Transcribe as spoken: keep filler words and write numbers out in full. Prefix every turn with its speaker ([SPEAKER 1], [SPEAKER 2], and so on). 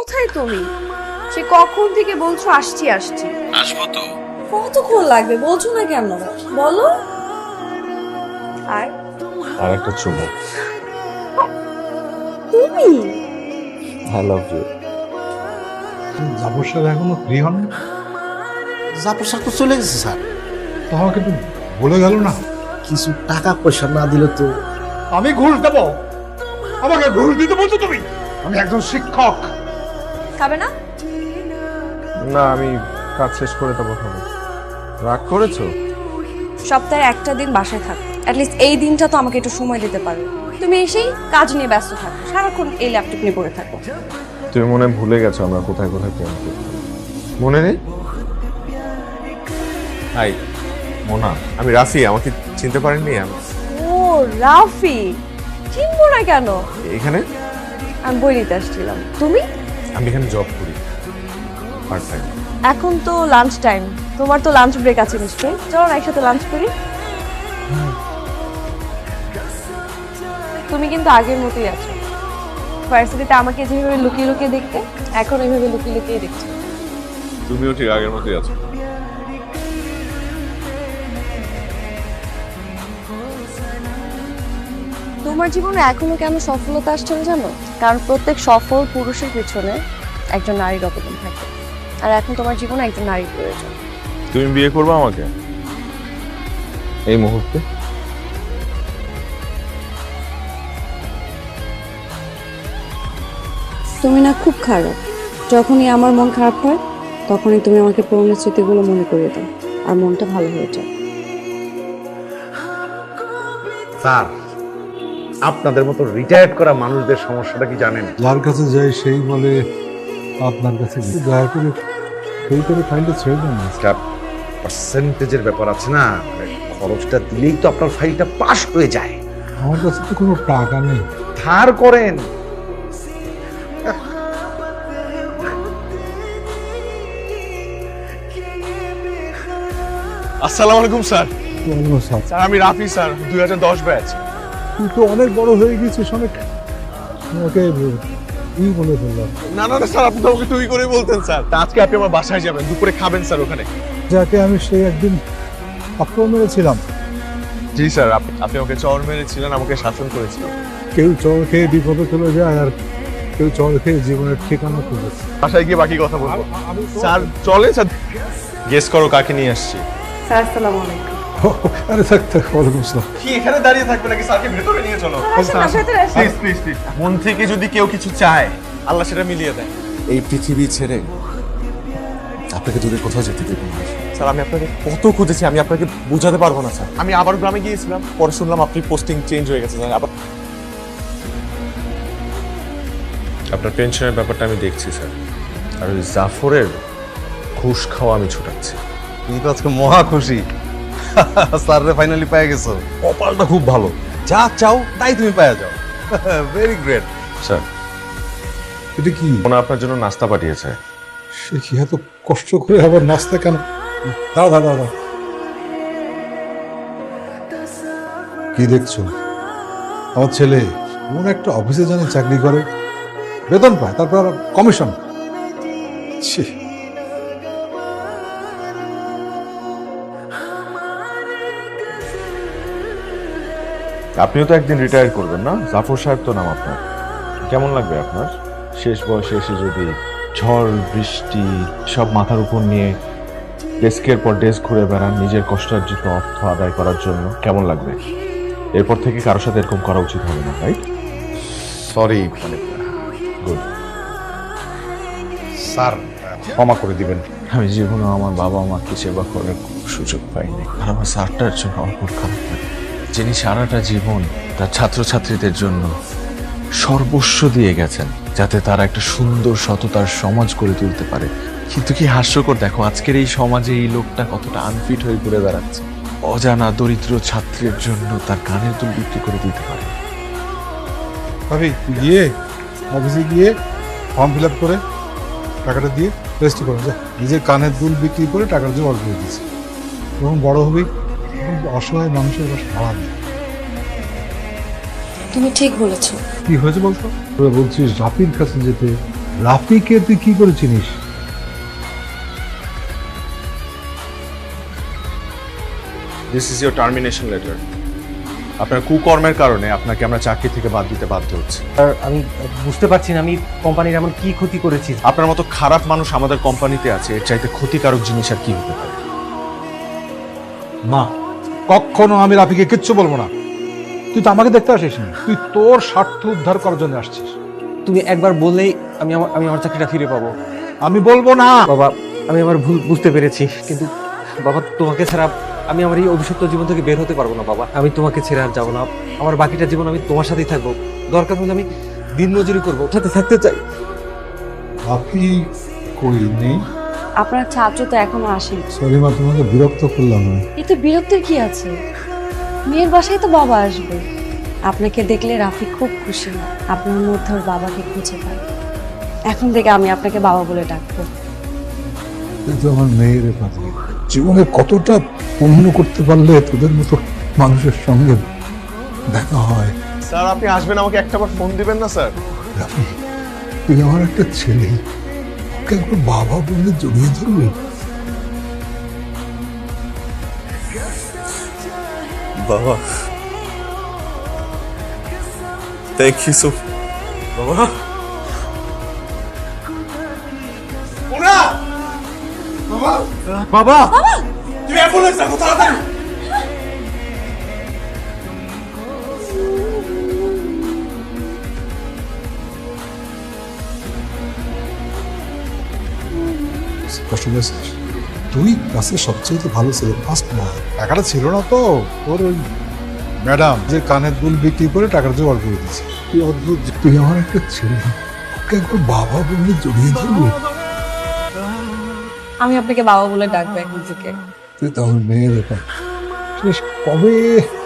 [SPEAKER 1] কোথায় তুমি? সে কখন থেকে বলছো আসছি আসছি।
[SPEAKER 2] আসবো তো।
[SPEAKER 1] কতক্ষণ লাগবে বলছো না কেন? বলো। আর
[SPEAKER 2] আর একটা চুমু।
[SPEAKER 1] তুমি
[SPEAKER 2] আই লাভ ইউ।
[SPEAKER 3] জাফর সাহেব এখনো ফ্রি হন?
[SPEAKER 4] জাফর স্যার তো চলে গেছে স্যার।
[SPEAKER 3] তো আমাকে একটু বলে গেল না?
[SPEAKER 4] কিছু টাকা পয়সা না দিলে তো।
[SPEAKER 3] আমি ঘুষ দেবো? আমাকে ঘুষ দিতে বলছো তুমি? আমি একজন শিক্ষক।
[SPEAKER 1] খাবে না?
[SPEAKER 2] না, আমি কাজ শেষ করে তারপর খাবো। রাগ করেছো?
[SPEAKER 1] সপ্তাহে একটা দিন বাসায় থাকো, অ্যাটলিস্ট এই দিনটা তো আমাকে একটু সময় দিতে পারো। তুমি এসেই কাজ নিয়ে ব্যস্ত থাকো, সারাক্ষণ এই ল্যাপটপ নিয়ে পড়ে থাকো।
[SPEAKER 2] তুমি মনে হয় ভুলে গেছো আমরা কোথায় কোথায় প্রেম করি। মনে নেই? হাই মোনা, আমি রাফি। আমাকে চিনতে পারেননি? আমি
[SPEAKER 1] ও রাফি, চিনবো না কেন?
[SPEAKER 2] এখানে
[SPEAKER 1] আমি বই নিতে আসছিলাম। তুমি?
[SPEAKER 2] আমি এখানে জব করি পার্ট টাইম।
[SPEAKER 1] এখন তো লাঞ্চ টাইম, তোমার তো লাঞ্চ ব্রেক আছে নিশ্চয়ই, চলো না একসাথে লাঞ্চ করি। তুমি কিন্তু আগের মতোই আছো। ভার্সিটিতে আমাকে যেভাবে লুকিয়ে লুকিয়ে দেখতে, এখন এইভাবে লুকিয়ে লুকিয়ে দেখছো।
[SPEAKER 2] তুমিও ঠিক আগের মতোই আছো।
[SPEAKER 1] তোমার জীবনে এখনো কেন সফলতা আসছে না জানো? কারণ প্রত্যেক সফল পুরুষের পিছনে একজন নারীর অবদান থাকে, আর এখন তোমার জীবনে একজন নারীর প্রয়োজন।
[SPEAKER 2] তুমি বিয়ে করবে আমাকে এই মুহূর্তে?
[SPEAKER 1] তুমি না খুব খারাপ। যখনই আমার মন খারাপ হয় তখনই তুমি আমাকে পুরনো স্মৃতিগুলো মনে করিয়ে দাও, আর মনটা ভালো হয়ে যায়।
[SPEAKER 4] স্যার, আপনাদের মতো রিটায়ার্ড করা মানুষদের সমস্যাটা কি জানেন?
[SPEAKER 3] যার কাছে যাই সেই বলে আপনার কাছে গিয়ে দয়া করে সেই করে ফাইলটা ছেড়ে দেন না।
[SPEAKER 4] একটা পার্সেন্টেজের ব্যাপার আছে না, মানে খরচটা দিলেই তো আপনার ফাইলটা পাস হয়ে যায়।
[SPEAKER 3] আমার কাছে তো কোনো টাকা নেই।
[SPEAKER 4] ধার করেন।
[SPEAKER 2] আসসালামু আলাইকুম স্যার।
[SPEAKER 3] ওয়ালাইকুম আসসালাম।
[SPEAKER 2] স্যার আমি রাফি স্যার, দুই হাজার দশ ব্যাচ।
[SPEAKER 3] তুই তো অনেক বড় হয়ে গেছিস, অনেক। ওকে ই বলে ফেললাম।
[SPEAKER 2] না না না স্যার, আপনি তো আমাকে তুই করেই বলতেন স্যার। আজকে আপনি আমার বাসায় যাবেন, দুপুরে খাবেন স্যার ওখানে।
[SPEAKER 3] যাকে আমি সেই একদিন আক্রমণ মেরেছিলাম।
[SPEAKER 2] জি স্যার, আপনি আপনি আমাকে চর মেরেছিলেন, আমাকে শাসন করেছিলেন।
[SPEAKER 3] কেউ চর খেয়ে বিপদে চলে যায়, আর কেউ চর খেয়ে জীবনের ঠিকানা খুঁজে।
[SPEAKER 2] বাসায় গিয়ে বাকি কথা বলবো। স্যার চলে স্যার। গেস করো কাকে নিয়ে আসছি।
[SPEAKER 1] স্যার আসসালামু আলাইকুম।
[SPEAKER 3] আরে থাক থাক, ওয়ালাইকুম আসসালাম।
[SPEAKER 2] কি এখানে দাঁড়িয়ে থাকবে নাকি? স্যারকে ভেতরে নিয়ে চলো। Please please please. মন থেকে যদি কেউ কিছু চায়, আল্লাহ সেটা মিলিয়ে দেয়।
[SPEAKER 5] এই পৃথিবী ছেড়ে আপনাকে দূরে কোথাও যেতে দেবো না।
[SPEAKER 2] স্যার আমি আপনাকে কত খুঁজেছি, আমি আপনাকে বোঝাতে পারবো না স্যার। আমি আবার গ্রামে গিয়েছিলাম, পরে শুনলাম আপনি পোস্টিং চেঞ্জ হয়ে গেছে স্যার। আবার আপনার পেনশনের ব্যাপারটা আমি দেখছি স্যার, আর ওই জাফরের ঘুষ খাওয়া আমি ছুটাচ্ছি।
[SPEAKER 5] তুমি তো আজকে মহা খুশি, স্যাররে ফাইনালি পেয়ে গেছো। কপালটা খুব ভালো, যা চাও তাই তুমি পেয়ে যাও। Very great.
[SPEAKER 2] স্যার
[SPEAKER 3] এটা কি?
[SPEAKER 2] ওনা আপনার জন্য নাস্তা পাঠিয়েছে।
[SPEAKER 3] সে কি এত কষ্ট করে আবার নাস্তা কেন? দাঁড়া দাঁড়া দাঁড়া। কি দেখছো? আমার ছেলে কোন একটা অফিসে জানি চাকরি করে, বেতন পায়, তারপর আবার কমিশন। ছি!
[SPEAKER 2] আপনিও তো একদিন রিটায়ার করবেন না? জাফর সাহেব তো নাম আপনার। কেমন লাগবে আপনার শেষ বয়সে এসে যদি ঝড় বৃষ্টি সব মাথার উপর নিয়ে ডেস্কের পর ডেস্ক ঘুরে বেড়ান নিজের কষ্টার্জিত অর্থ আদায় করার জন্য? কেমন লাগবে? এরপর থেকে কারোর সাথে এরকম করা উচিত হবে না, রাইট?
[SPEAKER 4] সরি, মানে
[SPEAKER 2] গুড।
[SPEAKER 4] স্যার ক্ষমা করে দিবেন।
[SPEAKER 2] আমি জীবনে আমার বাবা মাকে সেবা করার সুযোগ পাইনি, আর আমার স্যারটার জন্য আমার খুব খারাপ লাগে, যিনি সারাটা জীবন তার ছাত্রছাত্রীদের জন্য সর্বস্ব দিয়ে গেছেন যাতে তারা একটা সুন্দর সততার সমাজ গড়ে তুলতে পারে। কিন্তু কি হাস্যকর, দেখো আজকের এই সমাজে এই লোকটা কতটা আনফিট হয়ে ঘুরে বেড়াচ্ছে। অজানা দরিদ্র ছাত্রের জন্য তার কানের দুল বিক্রি করে দিতে পারে।
[SPEAKER 3] ভাবি তুই গিয়ে অফিসে গিয়ে ফর্ম ফিল আপ করে টাকাটা দিয়ে রেজিস্টার করে যা। নিজের কানের দুল বিক্রি করে টাকার জোগাড় করে দিয়েছি। যখন বড় হবি তখন অসহায় মানুষের বাসা ভাড়া নেই।
[SPEAKER 1] তুমি ঠিক বলেছো।
[SPEAKER 3] কি হয়েছে বলতো? তোরা বলছিস রাফির কাছে যেতে, রাফিকে তুই কি করে চিনিস?
[SPEAKER 2] This is your termination letter. আপনার কুকর্মের কারণে আপনাকে আমরা চাকরি থেকে বাদ দিতে বাধ্য হচ্ছি।
[SPEAKER 6] আর আমি বুঝতে পারছি না আমি কোম্পানির এমন কি ক্ষতি করেছি।
[SPEAKER 2] আপনার মতো খারাপ মানুষ আমাদের কোম্পানিতে আছে, এর চাইতে ক্ষতিকারক জিনিস আর কি হতে পারে?
[SPEAKER 3] না, কখনো আমি রাফিকে কিচ্ছু বলবো না। তুই তো আমাকে দেখতে আসিস না, তুই তোর স্বার্থ উদ্ধার করার জন্য আসছিস।
[SPEAKER 6] তুমি একবার বললেই আমি আমার আমি আমার চাকরিটা ফিরে পাবো।
[SPEAKER 3] আমি বলবো না।
[SPEAKER 6] বাবা, আমি আমার ভুল বুঝতে পেরেছি, কিন্তু বাবা তোমাকে ছাড়া আমি আমার এই অভিশপ্ত জীবন থেকে বের হতে পারবো না। বাবা, আমি তোমাকে ছেড়ে আর যাবো না। আমার বাকিটা জীবন আমি তোমার সাথেই থাকবো। দরকার হলে আমি দিন মজুরি করবো, সাথে থাকতে চাই।
[SPEAKER 3] রাফি কই নেই?
[SPEAKER 1] আপনার ছাত্র তো এখনো আসেনি।
[SPEAKER 3] সরি মা, তোমাকে বিরক্ত করলাম না।
[SPEAKER 1] এতে বিরক্তির কি আছে? মেয়ের বাসায় তো বাবা আসবে। আপনাকে দেখলে রাফি খুব খুশি হয়, আপনার মধ্যে ওর বাবাকে খুঁজে পায়। এখন থেকে আমি আপনাকে বাবা বলে ডাকবো।
[SPEAKER 3] তুই তো আমার মেয়ের পাতি। জীবনে কতটা পুণ্য করতে পারলে তোদের মতো মানুষের সঙ্গে দেখা হয়।
[SPEAKER 2] স্যার, আপনি আসবেন, আমাকে একটাবার ফোন দিবেন না স্যার?
[SPEAKER 3] রাফি, তুই আমার একটা ছেলে, ওকে একবার বাবা বলে জড়িয়ে ধরবি।
[SPEAKER 2] বাবা, থ্যাংক ইউ সো। বাবা,
[SPEAKER 6] বাবা,
[SPEAKER 2] তুমি অ্যাম্বুলেন্স ডাকো তাড়াতাড়ি।
[SPEAKER 3] কষ্ট পেয়েছিস? তুই ক্লাসের সবচেয়ে ভালো ছেলে, ফার্স্ট বয়। টাকাটা ছিল না তো, তোর ওই ম্যাডাম যে কানের দুল বিক্রি করে টাকাটা জোগাড় করে দিয়েছে। তুই অদ্ভুত, তুই আমার একটা ছেলে, ওকে একবার বাবা বলে জড়িয়ে ধরবি।
[SPEAKER 1] আমি আপনাকে বাবা বলে ডাকবো এখন থেকে।
[SPEAKER 3] তুই তো আমার মেয়ের ব্যাপার। শেষ কবে